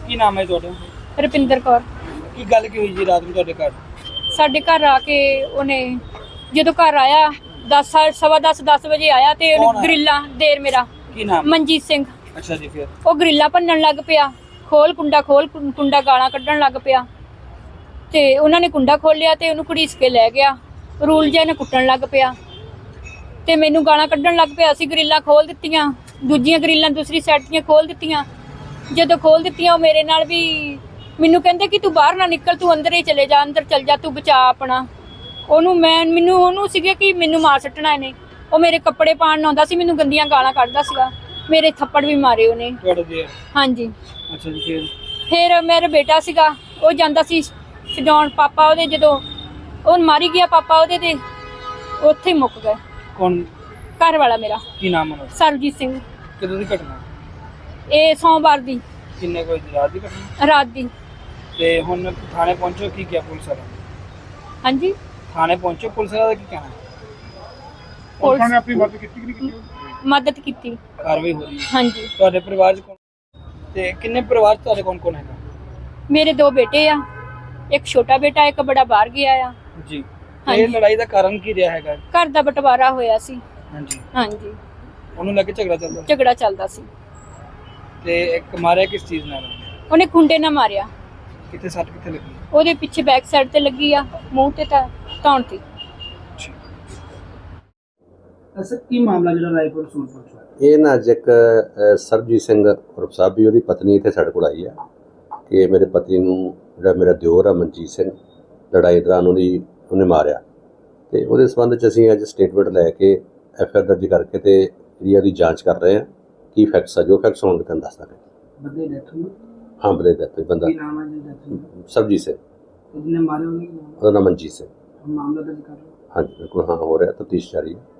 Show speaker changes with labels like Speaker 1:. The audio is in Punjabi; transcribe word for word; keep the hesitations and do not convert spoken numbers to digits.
Speaker 1: ਕੀ ਨਾਮ ਹੈ ਤੁਹਾਡਾ?
Speaker 2: ਰੁਪਿੰਦਰ ਕੌਰ।
Speaker 1: ਕੀ ਗੱਲ ਕੀ ਹੋਈ ਜੀ ਰਾਤ ਨੂੰ ਤੁਹਾਡੇ ਘਰ?
Speaker 2: ਸਾਡੇ ਘਰ ਆ ਕੇ ਉਹਨੇ ਜਦੋਂ ਘਰ ਆਇਆ ਦਸ ਸਵਾ ਦਸ ਦਸ ਵਜੇ ਆਇਆ ਤੇ
Speaker 1: ਕੌਣ
Speaker 2: ਉਹਨੇ
Speaker 1: ਆਇਆ?
Speaker 2: ਗਰਿੱਲਾ ਦੇਰ ਮੇਰਾ
Speaker 1: ਕੀ ਨਾਮ?
Speaker 2: ਮਨਜੀਤ ਸਿੰਘ।
Speaker 1: ਅੱਛਾ ਜੀ, ਫਿਰ
Speaker 2: ਉਹ ਗਰਿੱਲਾ ਭੰਨਣ ਲੱਗ ਪਿਆ, ਖੋਲ ਕੁੰਡਾ ਖੋਲ ਕੁੰ- ਕੁੰਡਾ ਗਾਲਾਂ ਕੱਢਣ ਲੱਗ ਪਿਆ ਤੇ ਉਹਨਾਂ ਨੇ ਕੁੰਡਾ ਖੋਲਿਆ ਤੇ ਉਹਨੂੰ ਘੜੀਸ ਕੇ ਲੈ ਗਿਆ। ਰੂਲ ਜਿਹਾ ਨੇ ਕੁੱਟਣ ਲੱਗ ਪਿਆ ਤੇ ਮੈਨੂੰ ਗਾਲਾਂ ਕੱਢਣ ਲੱਗ ਪਿਆ। ਅਸੀਂ ਗਰਿੱਲਾਂ ਖੋਲ ਦਿੱਤੀਆਂ, ਦੂਜੀਆਂ ਗਰਿੱਲਾਂ ਦੂਸਰੀ ਸਾਈਡ ਦੀਆਂ ਖੋਲ ਦਿੱਤੀਆਂ। ਜਦੋਂ ਖੋਲ ਦਿੱਤੀਆਂ ਉਹ ਮੇਰੇ ਨਾਲ ਵੀ ਮੈਨੂੰ ਕਹਿੰਦੇ ਕਿ ਤੂੰ ਬਾਹਰ ਨਾ ਨਿਕਲ, ਤੂੰ ਅੰਦਰ ਹੀ ਚਲੇ ਜਾ, ਅੰਦਰ ਚਲ ਜਾ, ਤੂੰ ਬਚਾ ਆਪਣਾ। ਉਹਨੂੰ ਮੈਂ ਮੈਨੂੰ ਉਹਨੂੰ ਸੀਗੇ ਕਿ ਮੈਨੂੰ ਮਾਰ ਸੱਟਣਾ ਇਹਨੇ। ਉਹ ਮੇਰੇ ਕੱਪੜੇ ਪਾਣ ਆਉਂਦਾ ਸੀ, ਮੈਨੂੰ ਗੰਦੀਆਂ ਗਾਲਾਂ ਕੱਢਦਾ ਸੀਗਾ, ਮੇਰੇ ਥੱਪੜ ਵੀ ਮਾਰੇ ਉਹਨੇ।
Speaker 1: ਤੁਹਾਡੇ ਦੇ?
Speaker 2: ਹਾਂਜੀ।
Speaker 1: ਅੱਛਾ ਜੀ, ਫਿਰ
Speaker 2: ਫਿਰ ਮੇਰਾ ਬੇਟਾ ਸੀਗਾ, ਉਹ ਜਾਂਦਾ ਸੀ ਛਡਾਉਣ, ਪਾਪਾ ਉਹਦੇ ਜਦੋਂ ਉਹ ਮਾਰੀ ਗਿਆ ਪਾਪਾ ਉਹਦੇ ਤੇ ਉੱਥੇ ਹੀ ਮੁੱਕ ਗਏ।
Speaker 1: ਕੌਣ?
Speaker 2: ਘਰ ਵਾਲਾ ਮੇਰਾ।
Speaker 1: ਕੀ ਨਾਮ ਹੈ?
Speaker 2: ਸਰਬਜੀਤ ਸਿੰਘ।
Speaker 1: ਕਦੋਂ ਦੀ ਘਟਨਾ?
Speaker 2: ਇਹ ਸੋਮਵਾਰ ਦੀ
Speaker 1: ਕਿੰਨੇ ਕੋਈ ਰਾਤ ਦੀ ਘਟਨਾ?
Speaker 2: ਰਾਤ ਦੀ।
Speaker 1: ਤੇ ਹੁਣ ਥਾਣੇ ਪਹੁੰਚੋ, ਕੀ ਕਿਹਾ ਪੁਲਿਸ ਵਾਲਾ?
Speaker 2: ਹਾਂਜੀ,
Speaker 1: ਥਾਣੇ ਪਹੁੰਚੋ, ਪੁਲਿਸ ਵਾਲਾ ਦਾ ਕੀ ਕਹਿਣਾ?
Speaker 2: ਪੁਲਿਸ
Speaker 1: ਨੇ ਆਪਣੀ ਮਦਦ ਕੀਤੀ ਕਿ ਨਹੀਂ ਕੀਤੀ?
Speaker 2: ਮਦਦ ਕੀਤੀ।
Speaker 1: ਕਾਰਵਾਈ ਹੋ ਰਹੀ ਹੈ।
Speaker 2: ਹਾਂਜੀ।
Speaker 1: ਤੁਹਾਡੇ ਪਰਿਵਾਰ ਚ ਕੌਣ ਤੇ ਕਿੰਨੇ ਪਰਿਵਾਰ ਚ ਤੁਹਾਡੇ ਕੌਣ ਕੌਣ ਹੈਗਾ?
Speaker 2: ਮੇਰੇ ਦੋ ਬੇਟੇ ਆ, ਇੱਕ ਛੋਟਾ ਬੇਟਾ, ਇੱਕ ਬੜਾ ਬਾਹਰ ਗਿਆ ਆ।
Speaker 1: ਜੀ।
Speaker 2: ਹਾਂਜੀ।
Speaker 1: ਇਹ ਲੜਾਈ ਦਾ ਕਾਰਨ ਕੀ ਰਿਹਾ ਹੈਗਾ?
Speaker 2: ਘਰ ਦਾ ਬਟਵਾਰਾ ਹੋਇਆ ਸੀ।
Speaker 1: ਹਾਂਜੀ।
Speaker 2: ਹਾਂਜੀ,
Speaker 1: ਉਹਨੂੰ ਲੈ ਕੇ ਝਗੜਾ ਚੱਲਦਾ?
Speaker 2: ਝਗੜਾ ਚੱਲਦਾ ਸੀ।
Speaker 1: ਤੇ ਇੱਕ ਮਾਰਿਆ ਕਿਸ ਚੀਜ਼ ਨਾਲ?
Speaker 2: ਉਹਨੇ ਖੁੰਡੇ ਨਾਲ ਮਾਰਿਆ।
Speaker 1: ਕਿੱਥੇ ਸੱਟ ਕਿੱਥੇ ਲੱਗੀ?
Speaker 2: ਉਹਦੇ ਪਿੱਛੇ ਬੈਕ ਸਾਈਡ ਤੇ ਲੱਗੀ ਆ, ਮੂੰਹ ਤੇ ਤਾਂ ਧੌਣ ਤੇ।
Speaker 1: ਅਸਲ ਕੀ ਮਾਮਲਾ ਜਿਹੜਾ ਰਾਏਪੁਰ ਸੂਰਪੁਰ ਚ?
Speaker 3: ਇਹ ਨਾ ਅੱਜ ਇੱਕ ਅ, ਸਰਬਜੀਤ ਸਿੰਘ ਉਰਫ ਸਾਹਿਬ ਉਹਦੀ ਪਤਨੀ ਇੱਥੇ ਸਾਡੇ ਕੋਲ ਆਈ ਆ ਕਿ ਮੇਰੇ ਪਤੀ ਨੂੰ ਜਿਹੜਾ ਮੇਰਾ ਦਿਓਰ ਆ ਮਨਜੀਤ ਸਿੰਘ, ਲੜਾਈ ਦੌਰਾਨ ਉਹਦੀ ਉਹਨੇ ਮਾਰਿਆ। ਤੇ ਉਹਦੇ ਸੰਬੰਧ 'ਚ ਅਸੀਂ ਅੱਜ ਸਟੇਟਮੈਂਟ ਲੈ ਕੇ ਐਫ ਆਈ ਆਰ ਦਰਜ ਕਰਕੇ ਤੇ ਜਿਹੜੀ ਉਹਦੀ ਜਾਂਚ ਕਰ ਰਹੇ ਹਾਂ। ਕੀ ਫੈਕਟਸ ਆ, ਜੋ ਫੈਕਟਸ ਹੋਣਗੇ ਤੁਹਾਨੂੰ ਦੱਸ ਦਾਂਗੇ।
Speaker 1: ਬੰਦੇ ਦੀ ਡੈਥ ਹੋਈ?
Speaker 3: ਹਾਂ, ਬੰਦੇ ਦਾ ਕੋਈ ਬੰਦਾ
Speaker 1: ਕੀ ਨਾਮ ਹੈ ਜੀ ਡੈਥ ਹੋਈ?
Speaker 3: ਸਰਬਜੀਤ ਸਿੰਘ,
Speaker 1: ਜਿਹਨੇ ਮਾਰੇ ਉਹਨੇ ਕੀ ਨਾਮ?
Speaker 3: ਉਹਦਾ ਨਾਮ ਮਨਜੀਤ ਸਿੰਘ।
Speaker 1: ਮਾਮਲਾ ਦਰਜ ਕਰ ਲਓ।
Speaker 3: ਹਾਂਜੀ ਬਿਲਕੁਲ, ਹਾਂ ਹੋ ਰਿਹਾ, ਤਫਤੀਸ਼ ਜਾਰੀ ਹੈ।